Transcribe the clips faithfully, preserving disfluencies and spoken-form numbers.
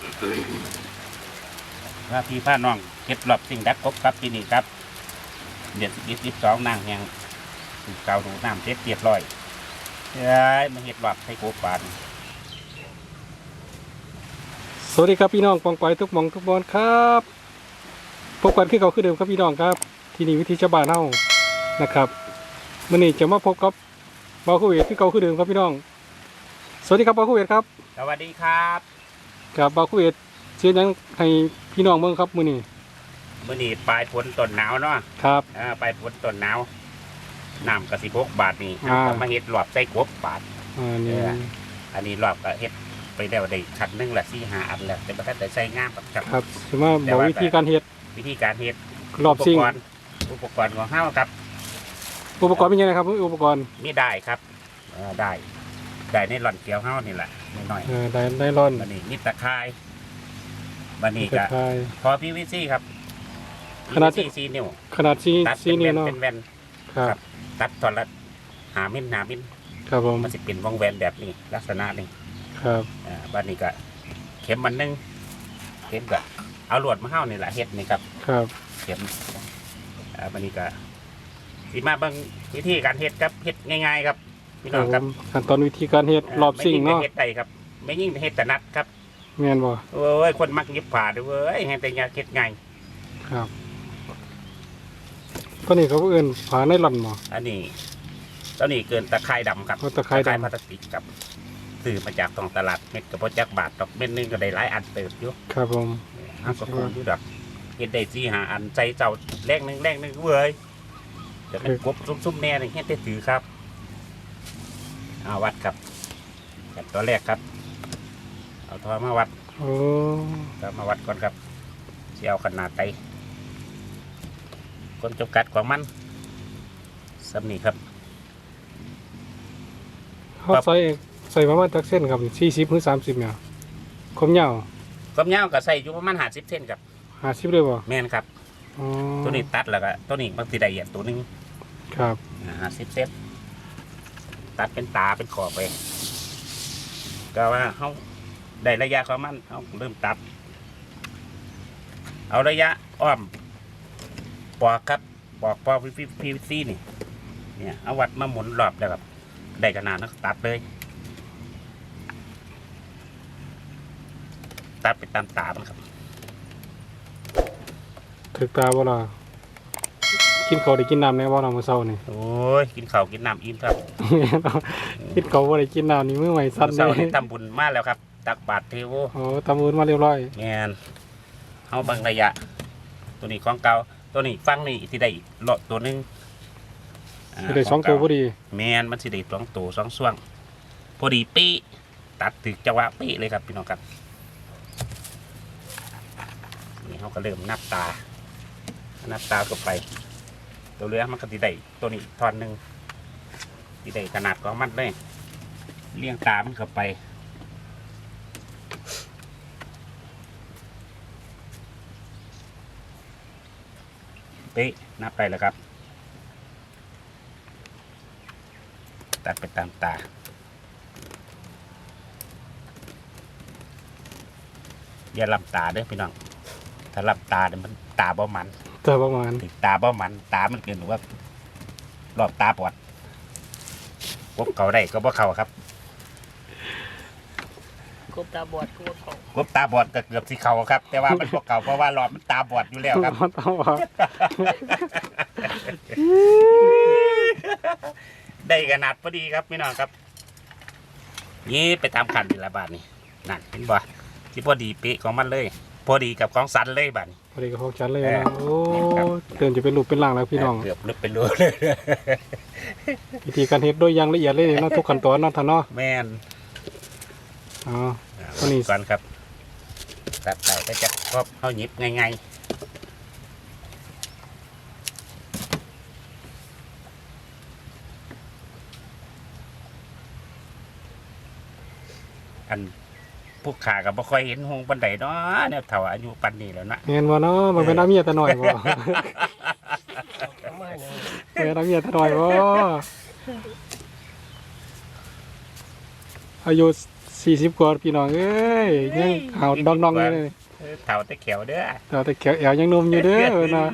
ว่าพี่พาน้องเฮ็ดรอบสิ่งดักกบครับปีนี้ครับเดือนสิบสิบสองนางแหงเก่าดูน้ำเซ็ตเรียบร้อยเฮ้ยมาเฮ็ดรอบให้กบปานสวัสดีครับพี่น้องปองปอยทุกหมองทุกบอลครับพบกันคือเก่าคือเดิมครับพี่น้องครับที่นี่วิธีชาวบ้านเฮานะครับมื้อนี้จะมาพบกับเบาคูเวทคือเก่าคือเดิมครับพี่น้องสวัสดีครับเบาคูเวทครับสวัสดีครับกับเบาคูเวทเชียร์ยังให้พี่น้องเบิ่งครับมื้อนี้มื้อนี้ปลายฝนต้นหนาวเนาะครับอ่าปลายฝนต้นหนาวน้ำกระสิบกบาทนี่อ่าเอามาเฮ็ดรอบใส่กบบาทอ่านี่เออ อันนี้รอบก็เฮ็ดไปแล้วได้คันหนึงละสี่ห้าอันแล้วแต่บ่ทันได้ใส่งามครับครับครับสิมาบอกวิธีการเฮ็ดวิธีการเฮ็ดรอบซิ่งอุปกรณ์อุปกรณ์ของเฮาครับอุปกรณ์เป็นยังไงครับอุปกรณ์มีได้ครับเออได้ได้ในหล่อนเกียวเฮานี่แหละน้อยเออได้ได้ร้อนๆบัดนี้มีตะไคร้บัดนี้กระก็ชายพอ พี วี ซี ครับขนาดพี วี ซี สี่นิ้วขนาดซีตัดซีเป็นนี่แว่นเนาะเป็นแว่นครับตัดตอนละหามิลหามิลครับผมมันสิเป็นวงแหวนแบบนี้ลักษณะนี้ครับอ่าบัดนี้ก็เข็มมันหนึงเข็มก็เอาลวดมาเฮานี่แหละเฮ็ดนี่ครับครับเข็มอ่าบัดนี้ก็สิมาเบิ่งวิธีการเฮ็ดครับเฮ็ดง่ายๆครับพี่คน้รัอบ งผครับมขั้นตอนวิธีการเฮ็ดรอบซิ่งไม่ยิ่เนาะเฮ็ดได้ครับ ไม่ยิ่งเฮ็ดแต่นัดครับแม่นบ่โอ้ยคนมักยิบผ่าด้วยเว้ยเฮ็ดแต่ยาเฮ็ดง่ายครับตัวนี้เขาเอื่นผาในหล่อนบ่อันนี้ตอนนี้เกินตะไคร้ดำครับโอ้ตะไคร้ดำพลาสติกครับซื้อมาจากท้องตลาดเม็ดกระเพาะจักบาทดอกเม็ดหนึงก็ได้หลายอันเติบอยู่ครับผมห้าก็คงอยู่ดอกเฮ็ดได้สี่ห้าอันใจเจ้าแรกหนึงแรกหนึงเว้ยเดี๋ยวมันกบซุ่มๆแน่นี่เฮ็ดได้ถือครับเอาวัดครับแบบตัวแรกครับ เอาทอมาวัดโอ้ก็มาวัดก่อนครับสิเอาขนาดไตคนจำกัดของมันสำนีครับเขาใส่ใส่ประมาณจักเส้นครับสี่สิบหรือสามสิบเนี่ยความยาวความยาวก็ใส่อยู่ประมาณห้าสิบเซนครับห้าสิบเลยบ่แม่นครับอ๋อตัวนี้ตัดแล้วก็ตัวนี้บางทีได้เหยียดตัวหนึงครับห้าสิบเซนตัดเป็นตาเป็นขอบไปก็ว่าเขาได้ระยะของมันเขาเริ่มตัด เอาระยะอ้อมปอกครับปอกปอกพีพีซีนี่เนี่ยเอาวัดมาหมุนรอบแล้วครับได้ขนาดนั้นตัดเลย ตัดไปตามตามันครับถึกตาบ่ล่ะกินข้าวได้กินน้ำแน่บ่ล่ะมื้อเช้านี่โอ้ยกินข้าวกินน้ำอิ่มครับกินข้าวบ่ได้กินน้ำนี่มื้อใหม่สั่นเลเช้าย นี้ทำบุญมาแล้วครับ ตักบาตรเทโวโอ้ตำบุญมาเรียบร้อยแงนเอาบางระยะ ตัวนี้ของเก่าตัวนี้ฟังนี่ที่ได้เลาะตัวหนึงาสิได้สองตัวพอดีแมนมันสิได้สองตัวสองส่วงพอดีปีตัดถึกจังหวะปีเลยครับพี่น้องครับนี่เขาก็เริ่มนับตา นับตาก็ไป ตัวเรือมันก็สิได้ตัวนี้ทอนหนึ่งที่ได้ขนาดของมันเลยเลี้ยงตามันเข้าไปเป๊ะนับไปแล้วครับ ตัดไปตามตาอย่าลำตาเด้อพี่น้องถ้าลำตาเนี่ยมันตาบ่มันแต่ประมาณถึงตาบ่มันตามันเกินหรือว่ารอบตาปอดพวกเขาได้ก็บ่เขาครับกบตาบอดกูเขากบตาบอดก็เกือบสิเขาครับ แต่ว่ามันพวกเขาเพราะว่ารอบมันตาบอดอยู่แล้วครับต้องว่าได้ขนาดพอดีครับพี่น้องครับ นี่ไปตามขันนี่ละบาทนี่นั่นเห็นบ่ที่พอดีเป๊ะของมันเลย พอดีกับของสันเลยบาทนี่พอดีกับพวกฉันเลยเออนะโอ้เตือนจะเป็นรูปเป็นร่างแล้วพี่น้องเกือบลึกเป็นรูเลยวิธีการเฮ็ดโดยอย่างละเอียดเลยเนาะทุกขั้นตอนเนาะท่านเนาะแม่นอ๋ออ่าตัวนี้ก่อนครับตัดไปก็จะครอบเข้าหยิบง่ายๆอันพวกขากับบ่ค่อยเห็นหงปันไดเนาะเนี่ยเท่าอายุปันนี้แล้วนะแม่นบ่เนาะมันเป็นน้ำเมียแต่น้อยบ่ประมาณนี้เป็นน้ำเมียแต่น้อยบ่อายุสี่สิบกว่าพี่น้องเอ้ยยังขาวดองๆอยู่เลยเออเท่าแต่เขียวเด้อแต่แต่แขวแอวยังหนุ่มอยู่เด้อเนาะ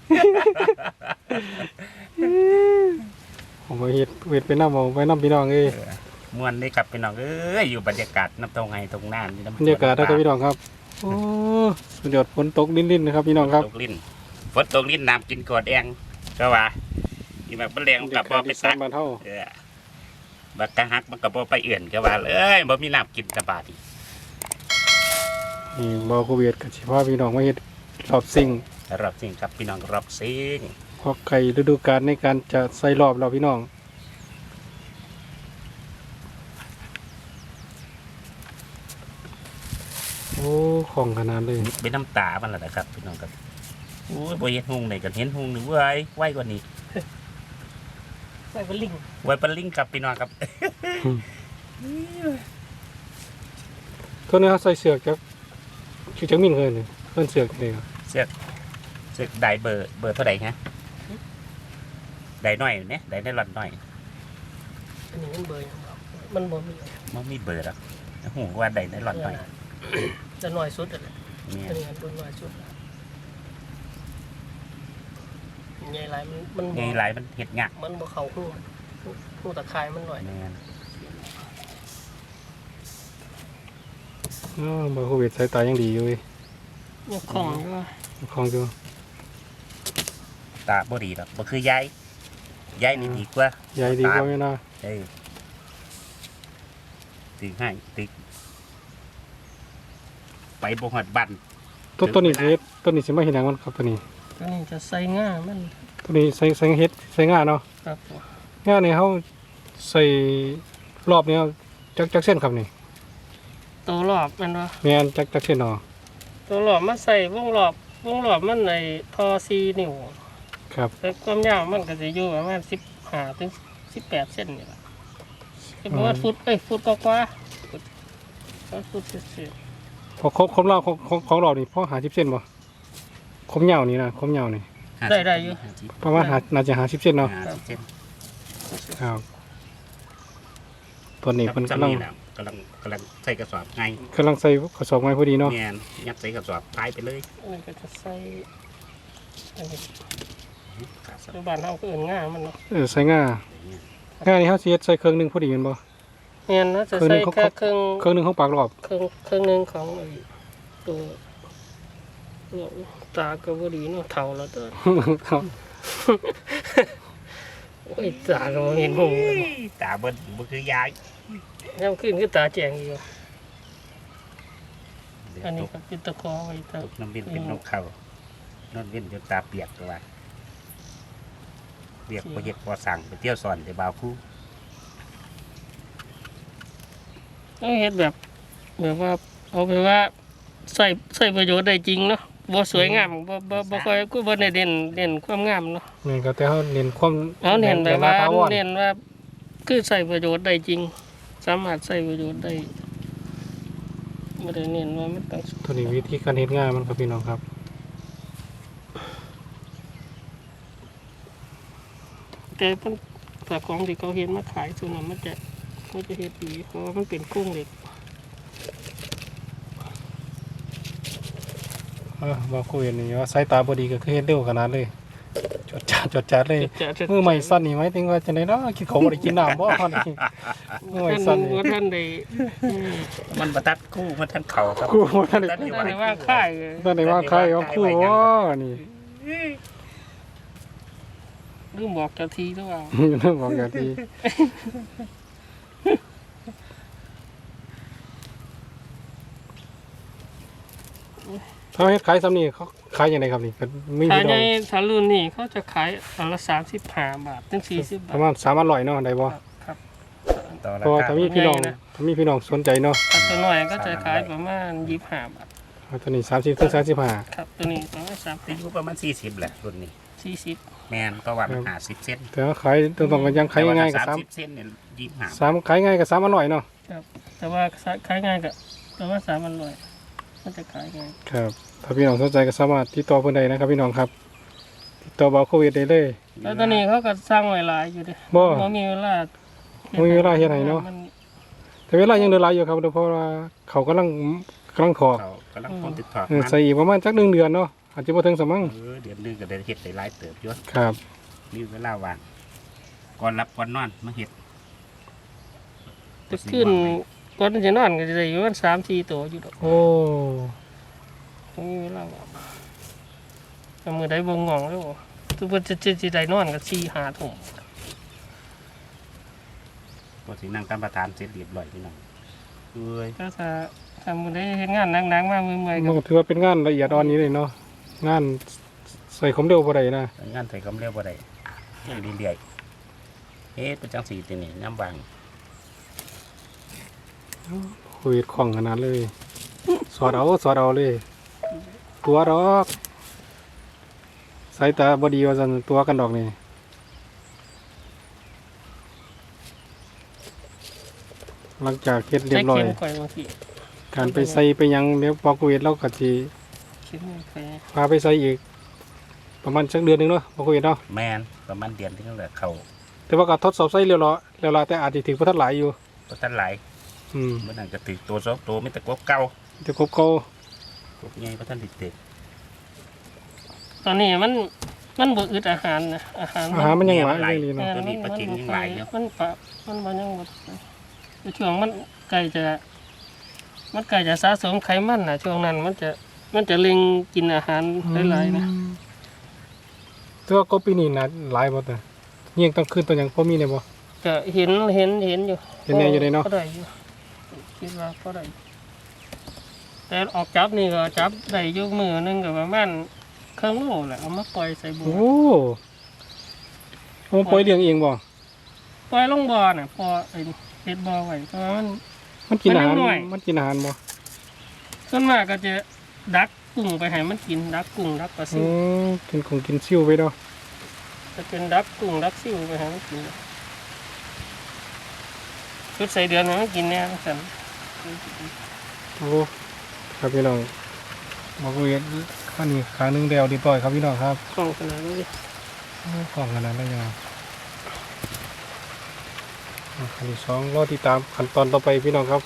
ผมก็เฮ็ดเวทไปนำเอาไปนำพี่น้องเอ้ยเออม่วนได้ครับพี่น้องเอ้ยอยู่บรรยากาศน้ำตรงไห้ตรงน้ำนี่น้ำบรรยากาศนะครับพี่น้องครับโอ้สุดยอดฝนตกลิ้นๆนะครับพี่น้องครับตกลิ้นฝนตกลิ้นน้ำกินกอดแองก็ว่าอีแบบมันแรงกับบ่ไปซักบ้านเฮาเออบักกะฮักมันกับบ่ไปเอื่นก็ว่าเลยบ่มีน้ำกินกระบาดอีกนี่บ่โควิดก็สิพาพี่น้องมาเฮ็ดรอบซิ่งรอบสิ่งครับพี่น้องรอบสิ่งพอไก่ฤดูกาลในการจะใส่รอบเราพี่น้องโอ้ของขนาดเลยเป็นน้ำตามันแหละนะครับพี่น้องครับโอ้ยบ่เห็นหุงไหนกันเห็นหุงหนึ่งเว้ยไวกว่านี้ไปเป็นลิงไว้ปลาลิงครับพี่น้องครับตัวนี้เขาใส่เสือกจักชื่อจักมินเคยนี่เพิ่นเสือกนี่ครับเสือกเสือกได้เบอร์เบอร์เท่าไหร่ฮะได้น้อยเนี่ยได้ได้หลอนน้อยอันนี้มันเบยของเรามันบ่มีมันมีเบอร์หรอกหูว่าได้ได้หลอนน้อยจะน้อยสุดอ่ะเนี่ยอันนี้อันตัวน้อยสุดใหญ่หลายมันมันไงบ่หลายมันเห็ดงักมันบ่เข้าหูหูตะไคร้มันหน่อยแม่นอ๋อบ่โควิดสายตายังดีอยู่เว้ยยังของอยู่ว่าของอยู่ตาบ่ดีหรอกบ่คือยายยายนี่ดีกว่าใหญ่ดีกว่าแม่นะเอ้ยตึกให้ตึกไปบ่ฮอดบ้านต้นต้นนี้สิเฮ็ดต้นนี้สิมาเฮ็ดหยังมันครับตัวนี้ตัวนี้จะใส่ง่ามันตัวนี้ใส่ใส่เฮ็ดใส่งาเนาะครับผมงานี่เฮาใส่รอบนี้จักจักเส้นครับนี่ตัวรอบมันว่าแม่นจักจักเส้นเนาะตัวรอบมันใส่วงรอบวงรอบมันในทอซีนิ้วครับแต่ความยาวมันก็จะอยู่ประมาณสิบห้าถึงสิบแปดเซนนี่แหละสิบประมาณฟุตเอ้ยฟุตกว่าๆฟุตฟุตเศษพอครบครบรอบของของของเรานี่พอหาสิบเส้นบ่คมยาวนี่นะคมยาวนี่ได้ได้อยู่ประมาณหาน่าจะหาสิบเส้นเนาะห้าสิบเซนครับตัวนี้ครับเพิ่นจำกำลังนี่แหละกำลังกำลังใส่กระสอบไงกำลังใส่กระสอบไม้พอดีเนาะแม่นยัดใส่กระสอบพายไปเลยอันนี้ก็จะใส่อันนี้กระสอบปัจจุบันเราก็เอื่นง่ามันเนาะเออใส่ง่าง่านี่เฮาสิเฮ็ดใส่เครื่องหนึงพอดีแม่นบ่เงี้ยนะจะเครื่องหนึ่ใส่งเขาแค่เครื่องเครื่องหนึงของปากรอบเครื่องเครื่องหนึ่งของไอ้ตัวตัวตากระบดีเนาะเท่าแล้วตัวครับโอ้ยตาก็บ่เห็นหงเลยตาเบิ้ลบ่คือยายย่ำขึ้นก็ตาแจงอยู่เดี๋ยวอันตนี้กก็จิตตะคอไว้ตาตกน้ำบินเป็นนกเขานอนเว้นจนตาเปียกตัวว่าเรียกพอเฮ็ดพอสั่งไปเที่ยวสอนไปบ่าวคู่ต้องเฮ็ดแบบแบบว่าเอาไปว่าใส่ใส่ประโยชน์ได้จริงเนาะบ่สวยงามบ่บ่บ่ค่อยกูบ่ได้เด่นเด่นความงามเนาะแม่นก็แต่เฮาเน้นความเอาเน้นแบบว่าถาวรเน้นว่าคือใส่ประโยชน์ได้จริง สามารถใส่ประโยชน์ได้บ่ได้เน้นว่ามันต้องตัวนี้วิธีการเฮ็ดง่ายมันครับพี่น้องครับแต่มันแต่ของที่เขาเฮ็ดมาขายส่วนนั้นมันจะมันจะเฮ็ดดีเพราะว่ามันเป็นโครงเหล็กเออบ่คุยนี่ว่าสายตาบ่ดีก็คือเฮ็ดเร็วขนาดเลยจดจัดจดจัดเลยจะจะมือใหม่สั้นนี่หมายถึงว่าจังได๋เนาะกินของบ่ได้กินน้ำบ่ตอนนี้มือใหม่ท่านสั้นว่านี่ท่านได้อืมมันประทัดคู่มันทันเข่าครับกูบ่ทันได้ท่านท่านได้ว่าค่ายเลยตอนนี้ว่าใครเอาคู่บ่นี่ลืมบอกเจ้าทีหรือเปล่าเรื่องบอกอย่างที่ถ้าเฮ็ดขายซ้ำนี่เขาขายยังไงครับนี่ก็มีถ้าพี่น้ในองถ้ารุ่นนี้เขาจะขายอันละสามสิบห้าบาทถึงสี่สิบปบาระทมาณสามพันร้อยเนาะได้บ่ครับต่อเพราะว่าราคาถ้ามีพี่น้องใหญ่นะถ้ามีพี่น้องสนใจเนาะถ้าตัวน้อยก็จะขายประมาณยี่สิบห้าบาทเอาตัวนี้สามสิบถึงสามสิบห้าครับตัวนี้ประมาณสามอายุประมาณสี่สิบแหละรุ่นนี้สี่สิบแม่นก็ว่ามันห้าสิบเซนแต่ว่าขายตรงๆกันยังขายง่ายๆกับสาสาม มสิบเซนเนี่ยยี่สิบห้าสามขายง่ายกับสามพันร้อยเนาะแต่ว่าขายง่ายกับประมาณสามพันร้อยมันจะขายง่ายครับถ้าพี่น้องสนใจก็สามารถติดต่อเพิ่นได้นะครับพี่น้องครับติดต่อบ่าวโควิดได้เลยแล้วตัวนี้เขาก็สร้างไว้หลายอยู่เดิบ่บ่มีเวลาบ่มีเวลาเฮ็ดให้เนาะมัแต่เวลายังเดินหลายอยู่ครับเพราะว่าเขากำลังกำลังถอกเขากำลังพ้นติดถอดเออมันใส่อีกประมาณจักหนึ่งเดือนเนาะอาจจะบ่ถึงสมังเออเดือนหนึงก็ได้เฮ็ดได้หลายเติบอยู่ครับมีเวลาว่างก่อนรับก่อนนอนมาเฮ็ดจะขึ้นก่อนจะนอนก็จะได้อยู่ประมาณสามสี่ตัวอยู่ดอกโอ้มีเวลาว่างก็มือได้บ่งงแล้วทุกคนจะจะจะได้นอนก็สี่ห้าทุ่มบ่สินั่งตามประธานเสร็จเรียบร้อยพี่น้องเอ้ยก็ถ้าถ้ามือได้เฮ็ดงานหนักๆมาเมื่อยๆมันก็ก็ถือว่าเป็นงานละเอียดอ่อนนี้เลยเนาะงานใส่ความเร็วบ่ได้นะงานใส่กำเร็วบ่ได้ยังเรื่อยๆเฮ็ดเป็นจังซี่ตินี่น้ำบางโควิดของขนาดเลย สอดเอาสอดเอาเลย ตัวดอกสายตาบดีว่าซั่นตัวกันดอกนี่หลังจากเฮ็ดเรียใช้บร้อยเข็มข่อยบางทีการไปใส่ไปหยังเดี๋ยวพอโควิดเราก็สิเข็มข่อยพาไปใส่อีก ประมาณสักเดือนหนึงเนาะพอโควิดเนาะแม่นประมาณเดือนที่นั่นแหละเข้าแต่ว่าก็ทดสอบใส่เรียบร้อยแล้วล่ะแต่อาจสิถึงบ่ทันหลายอยู่บ่ทันหลายอืมมื้อนั้นก็ถึกตัวสองตัวมีแต่กบเก่าแต่ครบเก่ากบใหญ่บ่ทันได้ติดตอนนี้มันมันบ่อึดอาหารนะอาหารอาหารมันยังหวานไหลอยู่ดีเอเนาะอตัวนี้ปลาเค็งยังหลายอยู่มันปะมันบ่ยังบ่ในช่วงมันใกล้จะ มันใกล้จะสะสมไขมันน่ะช่วงนั้นมันจะมันจะเล็งกินอาหารหลายๆนะแต่ว่าก็ปีนี้น่ะหลายบ่แต่เยี่ยงต้องขึ้นตัวหยังพอมีได้บ่ก็เห็นเห็นเห็นอยู่เห็นแน่อยู่เลยเนาะก็ได้อยู่คิดว่าก็ได้แต่ออกจับนี่ก็จับได้อยกมือหนึงก็ประมาณครึ่งโลแหละเอามาปล่อยใส่บัวโอ้โอ้ปล่อยเลี้ยงเองบ่ปล่อยลงบ่อน่ะพอไอ้เฮ็ดบ่อไว้เพราะว่ามันมันกินอาหารมันยังน้อยมันกินอาหารบ่ส่วนมากก็จะดักกุ้งไปให้มันกินดักกุ้งดักปลาซิอืวมกินของกินซิ่วไปเนาะจะเป็นดักกุ้งดักซิวไปให้มันกินชุดใส่เดือนให้มันกินแน่สั่นโอ้ครับพี่น้องบ่คุยข้านี้ครั้งหนึงแล้วดีต่อยครับพี่น้องครับกล้องขนาดนี้โอ้ของขนาดนั้นยังไงขั้นที่สองรอติดตามขั้นตอนต่อไปพี่น้องครับ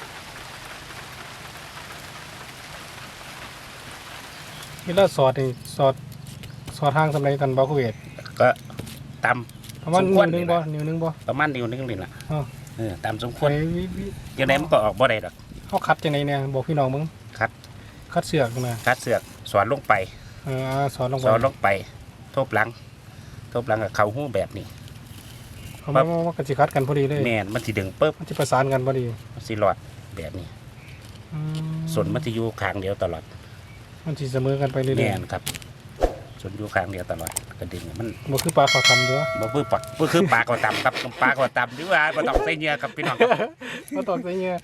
เวลาสอดนี่สอดสอดทางสำไรกันบ่คุยก็ตามประมาณสมควรนิ้วหนึงบ่นิ้วหนึงบ่ประมาณนิ้วหนึงนี่ล่ะอ้าวเออตามสมควรไปวิวิจังได๋มันก็ออกบ่ได้ดอกเขาคัดจังไดเนี่ยบอกพี่น้องมึงคัดคัดเสือกนะคัดเสือกสอนลงไปเอออ่าสอนลงไปสอนลงไปทบหลังทบหลังกับเข้าหูแบบนี้เขามาว่าว่ากันสิคัดกันพอดีเลยแม่นมันสิดึงปึ๊บมันจะประสานกันพอดีมันสิรอดแบบนี้อืมส่วนมันสิอยู่ข้างเดียวตลอดมันสิเสมอกันไปเรื่อยแม่นครับส่วนอยู่ข้างเดียวตลอดก็ดึงมันๆบ่คือปลาเขาทำด้วยบ่คือปักบ่คือปลาก็ตำครับปลาก็ตำหรือว่าบ่ต้องใส่เหงื่อครับพี่น้องครับมาตอกใส่เงี้ย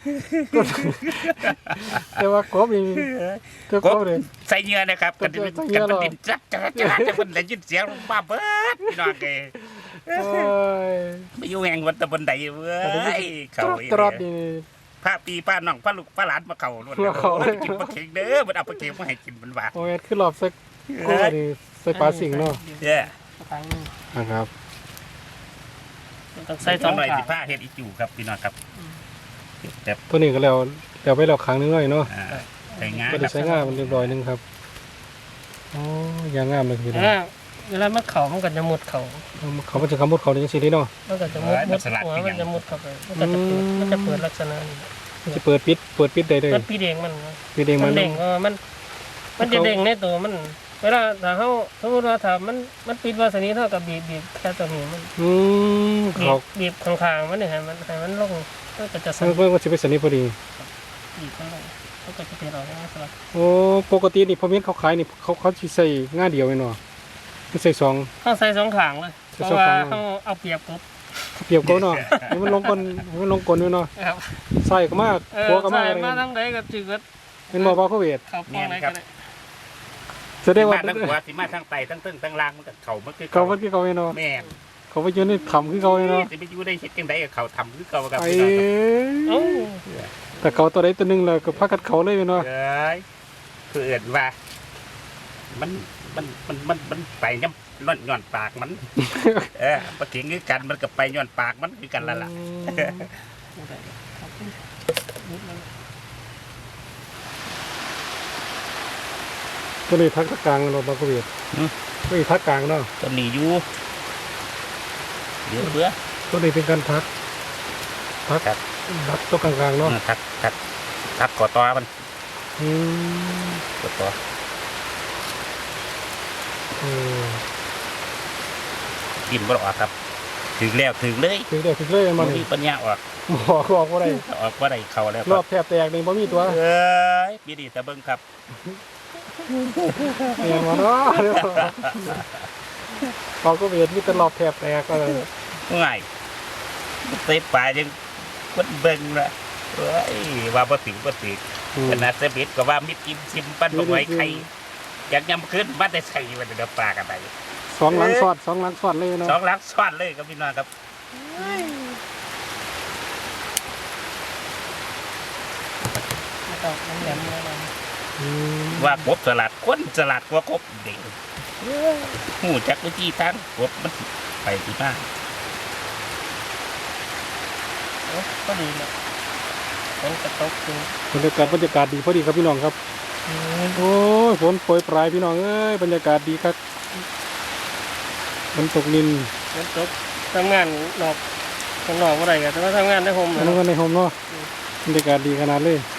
แต่ว่ากบนี่เจ้ากบเลยใส่เหงื่อนะครับกันใส่เหงื่กัอน เหรมันอดินจัดจัดจัดจัดมันได้ยินเสียงบ้าเบิดพี่น้องเอ้ยโอ้ยไปอยู่แห่งวันตะบนใดเว้ยเขาตรอดนี่พระปีป้าน้องป้าลูกป้าหลานมาเขาล้วนมาเข้าโอ้ยกินปลาเค็งเด้อมันเอาปลาเค็งมาให้กินมันว่าโอ้ยคือรอบสักกบนี่ใส่ปลาสิงเนาะเด้อครั้งหนึงนะครับต้องใส่สองหน่อยขาสิผ้าเฮ็ดอีจู่ครับพี่น้องครับแต่ตัวนี้ก็แล้วแล้วไปแล้วครั้งหนึงหน่อยเนาะอ่าใส่งาก็คได้รับใช้งานมันเรียบร้อยหนึงครับโอ้ยางงามเลยพี่น้องอ่าเวลามันเข่ามันก็จะมุดเข่าเขามันจะคำพูดเขาได้จังซี่เนาะมันก็จะมุดมุดหัวมันจะมุดเข้าไปมันก็จะเปิดมันจะเปิดลักษณะนี้มันจะเปิดปิดเปิดปิดได้เลยมันปีเด้งมันนะปิดเองมัมัน นเด้งเพราะว่ามัน มันจะเด้งในตัวมัน เวลาถ้าเขาสมมติว่าถ้ามันมันปิดวาสนีเท่ากับบีบบีบแค่ตัวนี้มันอืมบีเขาบบีบข้างๆมันเนี่ยให้มันให้มันลงมันก็จะสั่นเพิ่งก็จะไปสนิทพอดีบีบมันลงมันก็จะเป็นออกมาสลับโอ้ปกตินี่พอเมียนเขาขายนี่เขาเขาสิใส่ง่าเดียวไว้เนาะไม่ใส่สองเขาใส่สองข้างเลยใส่เพสองราะว่าข้างเขาเอาเปรียบกบเปรียบเขาเนาะให้มันลงกลให้มันลงกลด้วยเนาะครับใส่ก็มากเออหัวก็มากใส่อะไรมาทั้งใดก็จืดเป็นบ่อปลาโคเวดเขาป้องไหนก็ได้แสดสิงว่ามาทั้งหัวสิมาทั้งไตทั้งตึ้งทั้งล่างมันก็เขามันคือเขามันคือเขาเนาะแม่นเขาไปยืนในถ้ำคือเขาเนาะสิไปอยู่ได้เฮ็ดจังไดกับเขาทำคือเก่ากับไอ้พี่น้องครับเอ้าแต่เขาตัวใดตัวหนึงเลยก็พักกัดเขาเลยเนาะเอ้ยคือเอิ้นว่า มันมันมันมันมันไปย่ำร่อนย้อนปากมัน เออปลาเข็งคือกันมันก็ไปย้อนปากมันคือกันแล้วล่ะอืมบ่ได้ครับตัวนี้ทักกลางเราบางกเวียดตัวนี้ทักกลางเนาะต้นนี้อยู่เดี๋ยวเบื่อตัวนี้เป็นการทักทักครับทักตัวกลางๆเนาะทักทักทักกอตอมันอืมกอตอเออกินบ่ออกครับถึงแล้วถึงเลยถึงเดี๋ยวถึงเลยมันมีปัญญาออกหมอบอกว่าไรออกว่าได้เข้าแล้วรอบแทบแตกนี่บ่มีตัวเอ้ยปีนี้ตะเบิ่งครับเนียนมาเนาะเดี๋ยวเขาก็เวียดมีแต่รอบแทบแตกก็เลยง่ายเตะปลายังคนเบิ่งละเอ้ยว่าบ่ถึงบ่ถึงอืมขนาดเสบิดก็ว่ามิดกินซิมปั้นบ่ไหวไข่อยากยำขึ้นมาแต่ใส่มันเดือปลากันไปสองหลังสอดสองหลังสอดเลยเนาะสองลักซ้อนเลยครับพี่น้องครับไม่ต้องน้ำแหลมอะไรอืมว่ากบสลัดคนสลัดกว่ากบเด็กหูจักวิธีทางกบมันไปที่บ้านโอ้ก็ดีนะฝนกระตกคือบรรยากาศบรรยากาศดีพอดีครับพี่น้องครับโอ้ยฝนโปรยปลายพี่น้องเอ้ยบรรยากาศดีครับฝนตกนินฝนตกทำงานนอกข้างนอกอะไรกันแต่ว่าทำงานในโฮมอันนั้นก็ในโฮมเนาะบรรยากาศดีขนาดเลย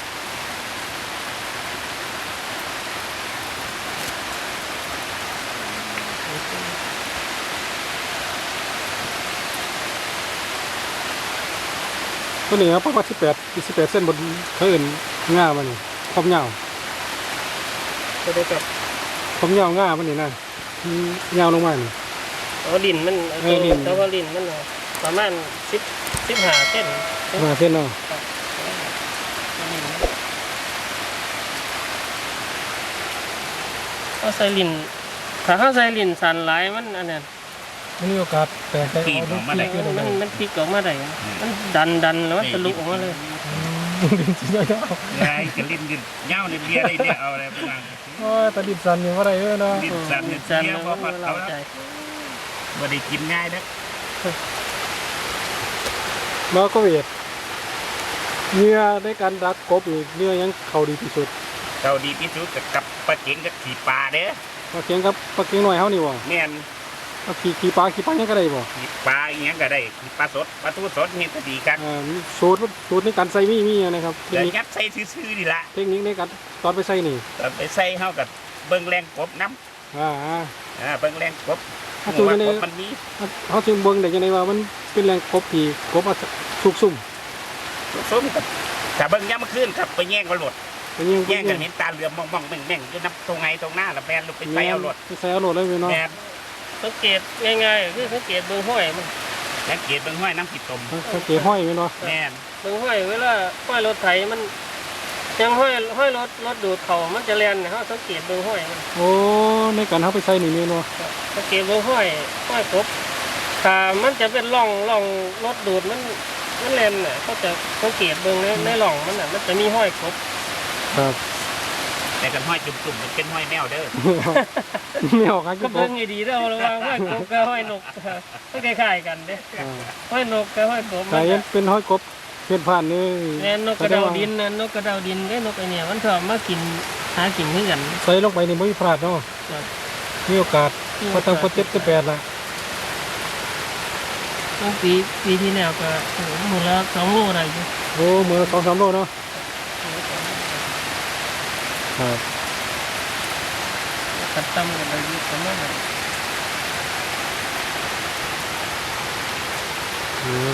ตัวนี้ครับประมาณสิบแปดสิบแปดเส้นบนเขาอื่นง่ามันนี่ความยาวจะได้กับความยาวง่ามันนี่นะอืมยาวลงมานี่เอาดินมันเออดินแต่ว่าดินมันน่ะประมาณสิบสิบห้าเส้นมาเส้นเนาะเอาใส่ลินถ้าเขาใส่ลินสันหลายมันอันนั้นไม่มีโอกาสแตกใจปีนออกมาได้ขึ้นออกมัมานมันพลิกออกมาได้อะมันดันดันแล้วมันทะลุออกมาเลยดินสียาวไงจะลิ้นยืนเงาเนี่ยเบียร์ได้เนี่ยเอาอะไรไปนั่งๆโอ้ยแต่ดินสันอยู่ว่าไรเอ้ยเนาะลิ้นสั่นเนี่ยสันเบียแล้ร์วพอพัดเราเขาใจแล้วบ่ได้กินง่ายนะแล้วก็เวทเนื้อในการรักกบนี่เนื้อยังเขาดีที่สุดเราดีที่สุดกับกับปลาเก๋งกับขี่ปลาเด้อปลาเค็งกับปลาเค็งหน่อยเฮานี่บ่แม่นปลาขี่ขี่ปลาขี่ปลายังก็ได้บ่ขี่ปลาอีหยังก็ได้ขี่ปลาสดปลาทูสดเฮ็ดก็ดีครับอ่ามีสูตรสูตรในการใส่มีมีอะไรครับเทคเดี๋ยวนิคยัดใส่ซื่อๆนี่ล่ะเทคนิคในการตอนไปใส่นี่ตอนไปใส่เฮากับเบิ่งแรงกบน้อ่าำอ่าเบิ่งแรงกบถ้าเพตัวราะว่านี้กบมันมีเขาจึงเบิ่งได้จังได๋ว่ามันเป็นแรงกบที่กบมาสุกซุ่มส้มกับถ้าเบิ่งยามมื้อคืนครับไปแย่งกันหลดเป็นยังแย่งกันเห็นตาเหลือมมองๆแม่งๆอยู่นับตรงไงตรงหน้าละแบนลงไปใส่เอาหลดไปใส่เอาโหลดเลยเนาะแม่นสังเกตง่ายๆคือสังเกตเบื้องห้อยมันสังเกตเบิ่งห้อยน้ำผิดตมสังเกตห้อยไว้เนาะแม่นเบื้องห้อยเวลาห้อยรถไถมันยังห้อยห้อยรถรถดูดเขามันจะแล่นเขาสังเกตเบื้องห้อยมันโอ้ในการเฮาไปใส่นี่เนาะสังเกตเบื้องห้อยห้อยกบถ้ามันจะเป็นร่องร่องรถดูดมันมันแล่นน่ะก็จะสังเกตเบื้องในในร่องมันน่ะมันจะมีห้อยกบครับแต่กันห้อยจุ่มๆมันเป็นห้อยแมวเด้อไม่ออกครับก็กเบิ่บงให้ดีเด้อระวังห้อยกบกับห้อยนกก็คล้ายๆกันเด้อ่าห้อยนกกับห้อยกบแต่ยังเป็นห้อยกบเพี้ยนผ่านนี่แม่นนกกระเดาดินนะนกกระเดาดินได้นกไอเนี่ยมันชอบมากินหากินคือกันใส่ลงไปนี่ไม่มีพลาดเนาะครับมีโอกาสพอตั้งพอเจ็ดก็แปดละตั้งปีปีที่แล้วก็โอ้โหหมดแล้วสองโลได้อยู่โอ้มือสองสามโลเนาะครับขัดตั้มกันได้อยู่ประมาณนั้นอืม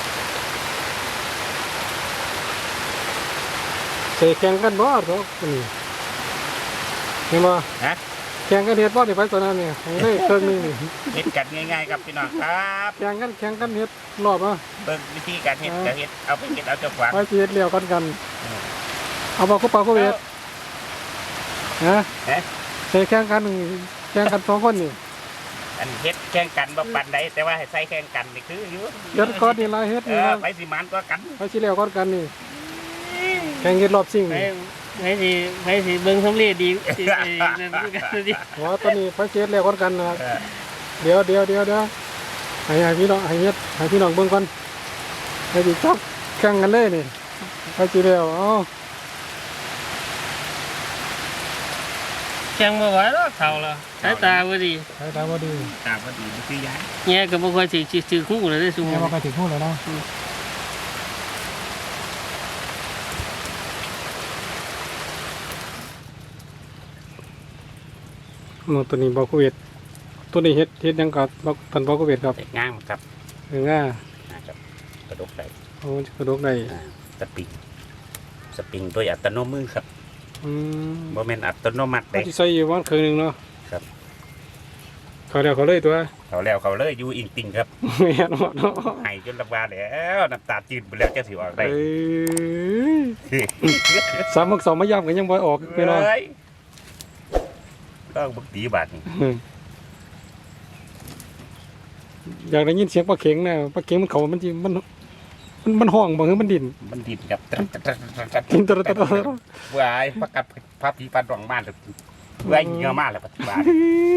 ใส่แข่งกันบ่เนาะนี่เห็นบ่ฮะแข่งกันเฮ็ดบ่นี่ไปตอนนั้นนี่ให้ได้เครื่องหนึงนี่เฮ็ดกันง่ายๆครับพี่น้องครับแข่งกันแข่งกันเฮ็ดรอบอ่ะเบิ่งวิธีการเฮ็ดก็เฮ็ดเอาไปเฮ็ดเอาเจ้าขวางไปสิเฮ็ดเลี้ยวกันกัน เอาบ่คู่ปากคู่เวทฮะฮะใส่แข่งกันแข่งกันสองคนนี่อันเฮ็ดแข่งกันบ่ปานใดแต่ว่าให้ใส่แข่งกันนี่คืออยู่เฮ็ดก่อนนี่ล่ะเฮ็ดเอนี่อล่ะไปสิมันก็กันไปสิเลี้ยวก่อนกันนี่แข่งเฮ็ดรอบซิ่งไปนี่ไปสิไปสิเบิ่งสำเร็จดีสิไอ้นั่นกันดิว่าตอนนี้ไปสิเฮ็ดเลี้ยวก่อนกันนะครับเออเดี๋ยวเดี๋ยวเดี๋ยวเดี๋ยวให้ให้พี่น้องให้เฮ็ดให้พี่น้องเบิ่งก่อนให้ดิจับแข่งกันเลยนี่ไปจีแล้วเอ้าแข็งบ่ไหวแล้วเฒ่าแล้วสายตาบ่ดีสายตาบ่ดีตาพอดีมันคือย้ายแย่ก็บ่ค่อยสิสิซื้อคู่เลยได้ซุแม่มื้อว่าไปถึงพูดแล้วเนาะโอ้ตัวนี้บ่โควิดตัวนี้เฮ็ดเฮ็ดหยังกับบ่ท่านบ่โควิดครับแต่ง่างครับเออง่านะครับกระดกได้โอ้กระดกได้อ่าสปริงสปริงโดยอัตโนมือครับอืมบ่แม่นอัตโนมัติเขาเด้สิใส่อยู่วันครึ่งหนึงเนาะครับเขาแล้วเขาเลยตัวเขาแล้วเขาเลยอยู่อิงติงครับแม่นบ่เนาะให้จนลำบากแล้วน้ำตาจืดไปแล้วจะสิออกได้เอ้ยสามหกสองมาย่ำกันยังบ่ออกไปเนาะเฮ้ยต้องบึกตีบาดนี่อยากได้ยินเสียงปลาเข็งนะปลาเข็งมันเขามันจิมันมันมันห้องบ่คือมันดิ่นมันดินครับกินตะตะตะวายประกัดพระพีปันรองม่านเว้ยเงามากเลยปัจจุบัน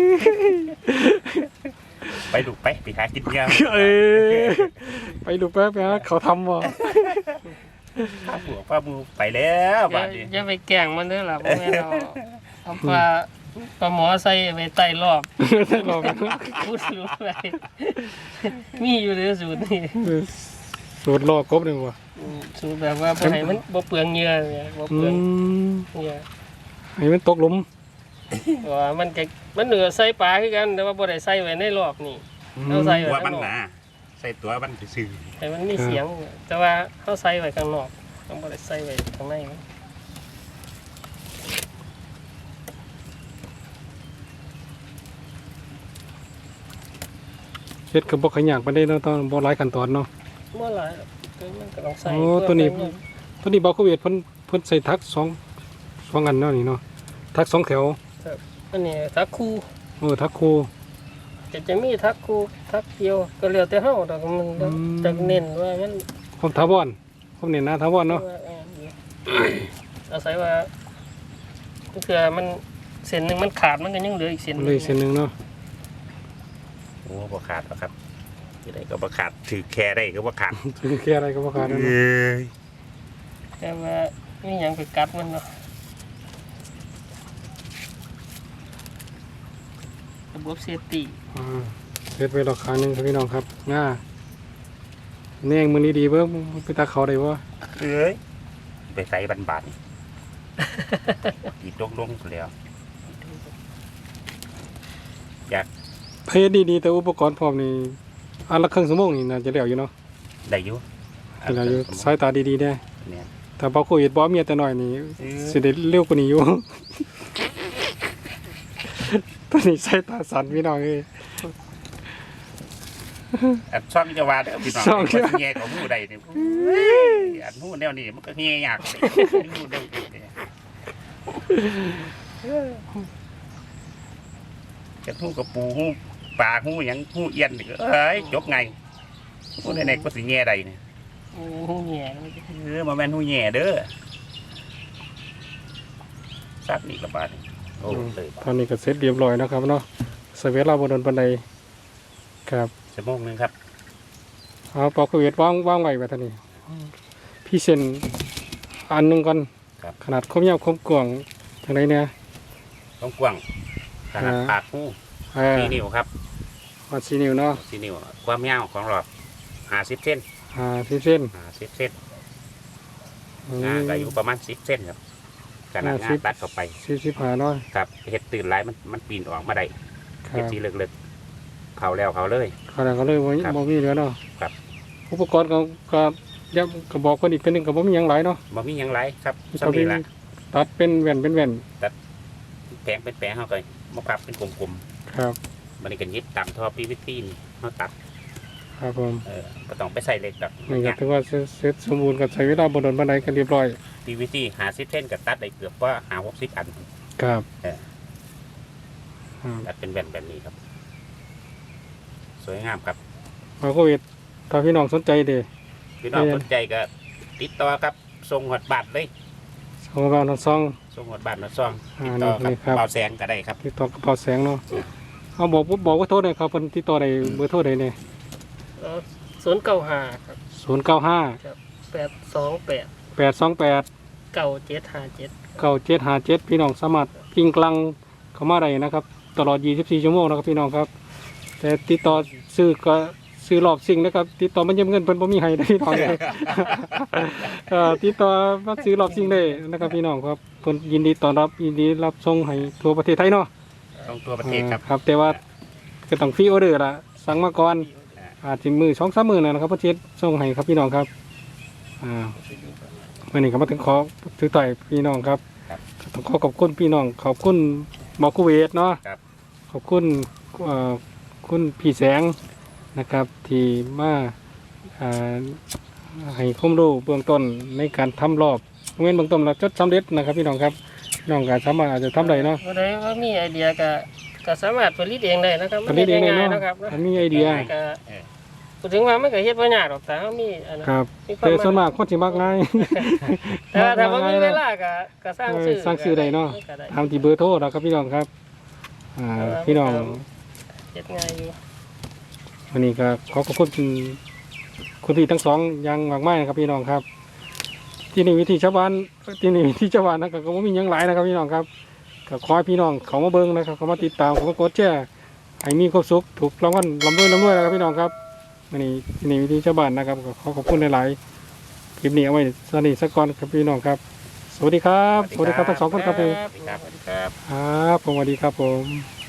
ไปดูไปไปหากินเงาเอ้ยไปดูแป๊บนะเขาทำบ่ป้าผัวป้ามูไปแล้วอย่าบาดนี้อย่าไปแกล้งมันเด้อล่ะบ่แม่นเอาเอาปลาปลาหมอใส่ไว้ใต้รอบได้รอไปพูดรู้ไปมีอยู่เด้อสูตรนี่สูตรรอกบหนึ่งว่ะอืมสูตรแบบว่าบ่ให้มันบ่เปลืองเหงื่อเนี่ยบ่อืเปลืองมเหงื่อให้มันตกหลุมว่ามันก็มันเหนือใส่ปลาคือกันแต่ว่าบ่ได้ใส่ไว้ในรอบนี่เอาใส่ตัวไว้มัข้าน งนอกหนาใส่ตัวมันซื่อให้มันมีเสียง แต่ว่าเฮาใส่ไว้ข้างนอกต้องบ่ได้ใส่ไว้ข้างในเฮ็ดกับบ่ขยันปานใดเนาะต้องบ่หลายขั้นตอนเนาะบ่หลายหรอกคือมันก็ต้องใส่โอ้ตัวนี้ ตัวนี้บ่โควิดเพิ่นเพิ่นใส่ทักสองสองอันเนาะนี่เนาะทักสองแถวอันนี้ทักคู่เออทักคู่จะจะมีทักคู่ทักเดียวก็แล้วแต่เฮาดอกมันอืมจะเน้นว่ามันผมถาวรผมเน้นนะถาวรเนาะว่าอ่าดีอาศัยว่าเผื่อมันเส้นหนึงมันขาดมันก็ยังเหลืออีกเส้นหมันนึงเลยเส้นหนึงเนาะๆโอ้บ่ขาดหรอกครับที่ไหนก็บ่ขาดถือแค่ได้ก็บ่ขาดถึงแค่อะไรก็บ่ขาดเอเนาะ้ยแต่ว่ามีหยังไปกัดมันเนาะระบบเซฟตี้อ่าเฮ็ดไว้รอครั้งหนึงครับพี่น้องครับง่าแนงมื้อนี้ดีเบิ่งไปตาเขาได้บ่เอ้ยไปใส่บันบาดนี่อีดลงๆแล้วอยากเฮ็ดดีๆแต่อุปกรณ์พร้อมนี่อันละครึ่งชั่วโมงนี่น่าจะแล้วอยู่เนาะได้อยู่แล้วอยู่สายตาดีๆแน่เนี่ยถ้าบ่โควิดบ่มีแต่น้อยนี่เออสิได้เร็วกว่านี้อยู่ ตอนนี้สายตาสั่นพี่น้องเอ้ยอันช่องจะว่าเด้อพี่น้องช่องจะมันแง่ของหูใดนี่อันหูแนวนี้มันก็แง่ยากหูเด้อจะหูกับปูหูปลาหูหยังหูเอียนนี่ก็เอ้ยจบไงหูในๆก็สิแง่ใดนี่โอ้โหแง่มันจะเออมาแม่นหูแง่เด้อสัตว์นี่ละบาดนี่โอ้เลยตอนนี้ก็เสร็จเรียบร้อยแล้วครับเนาะใส่เวลาบ่โดนปานใดครับชั่วโมงหนึงครับเอาปอกโควิดวางวางไว้ไว้ท่านี้พี่เซ็นอันหนึงก่อนครับขนาดคมยาวคมกว้างจังไดเนี่ยต้องกว้างขนาดอ่าปากหูเออสี่นิ้วครับวัดสี่นิ้วเนาะสี่นิ้วความยาวของหลอดห้าสิบเซนอ่าที่เส้นห้าสิบเซนอืงาม ก็อยู่ประมาณสิบเส้นครับขนาดงาสินบตัดเข้าไปสี่สิบห้าเนาะครับเห็ดตื่นหลายมันมันปีนออกมาได้คเห็ดรับสีเลึกๆเขาแล้วเขาเลยขนาดก็เลยบ่ครับบ่มีเหลือเนาะครับอุปกรณ์ก็ก็ย้ำก็บอกเพิ่นอีกเพิ่นหนึงก็บ่มีหยังหลายเนาะบ่มีหยังไรครับก็สำเป็นีนละตัดเป็นแว่นเป็นแว่นแปลงเป็นแปลงเขาก็มาพับเป็นกลมครับๆมันนี่กันยึดตามท่อพีวีซีนี่เขาตัดครับผมเออก็ต้องไปใส่เหล็กแบบนี่ก็ถือว่าเสร็จเสร็จสมบูรณ์ก็ใช้เวลาบ่โดนปานใดก็เรียบร้อยพีวีซีหาสิบเส้นกับตัดได้เกือบว่าหาหกสิบอันครับเออครับตัดเป็นแว่นแบบนี้ครับ สวยงามครับมาโควิดถ้าพี่น้องสนใจเด้พี่น้องเรียนสนใจก็ติดต่อครับส่งหอดบัตรเลยส่งมาทางซองส่งหอดบัตรหอดซองอ่าติดต่อนี่กับครับเบาแสงก็ได้ครับติดต่อกระเป๋าแสงเนาะเอาบอกบอกว่าโทษหน่อยครับเพิ่นติดต่อได้เบอร์โทรใดเนี่ยศูนย์เก้าห้าครับศูนย์เก้าห้าแปดสองแปดแปดสองแปดเก้าเจ็ดห้าเจ็ดเก้าเจ็ดห้าเจ็ดพี่น้องสามารถพิงกลังเข้ามาได้นะครับตลอดยี่สิบสี่ชั่วโมงนะครับพี่น้องครับแต่ติดต่อซื้อก็ซื้อรอบสิ่งนะครับติดต่อมันยืมเงินเพิ่นบ่มีให้นะพี่น้องครับ เอ่อติดต่อมาซื้อรอบสิ่งได้นะครับพี่น้องครับเพิ่นยินดีต้อนรับยินดีรับส่งให้ทั่วประเทศไทยเนาะต้องตัวประเทศครับครับแต่ว่าก็ต้องฟรีออเดอร์ละสั่งมาก่อนอาจจะมือสองสามมือนะครับประเทศส่งให้ครับพี่น้องครับอ่าวันนี้ก็มาถึงขอถือต่อยพี่น้องครับครับต้องขอขอบคุณพี่น้องขอบคุณหมอคูเวตเนาะครับขอบคุณเอ่อคุณพี่แสงนะครับที่มาอ่าให้ความรู้เบื้องต้นในการทำรอบเว้นเบื้องต้นเราจดสำเร็จนะครับพี่น้องครับพี่น้องก็สามารถอาจจะทำได้เนาะบ่ได้ว่ามีไอเดียก็ก็สามารถผลิตเองได้นะครับผลิตเองได้เนาะมัฮ็ง่ยๆนะครับอันมีไอเดียก็พูดถึงว่ามันก็เฮ็ดบ่ยากหรอกแต่เฮามีอันนั้นครับมีควาแต่มส่วนมากคนสิมักง่ายแต่ว่าถ้าบ่มีเวลาก็ก็สร้างชื่อเออสร้างชื่อได้เนาะก็ได้ทำที่เบอร์โทรนะครับพี่น้องครับอ่าพี่น้องเฮ็ดง่ายอยู่วันนี้ก็ขอขอบคุณคุณพี่ทั้งสองอยังมากมายนะครับพี่น้องครับ ที่นี่วิธีชาวบ้านที่นี่วิธีชาวบ้านนะครับก็บ่มีหยังหลายนะครับพี่น้องครับก็ขอให้พี่น้องเขามาเบิ่งนะครับเขามาติดตามเขามากดแชร์ให้มีความสุขถูกรางวัลลำด้วยลำด้วยนะครับพี่น้องครับวันนี้ที่นี่วิธีชาวบ้านนะครับก็ขอขอบคุณหลายๆคลิปนี้เอาไว้สนิทสักก่อนครับพี่น้องครับ สวัสดีครับ สวัสดีครับทั้งสองคนครับผมสวัสดีครับครับผมสวัสดีครับผม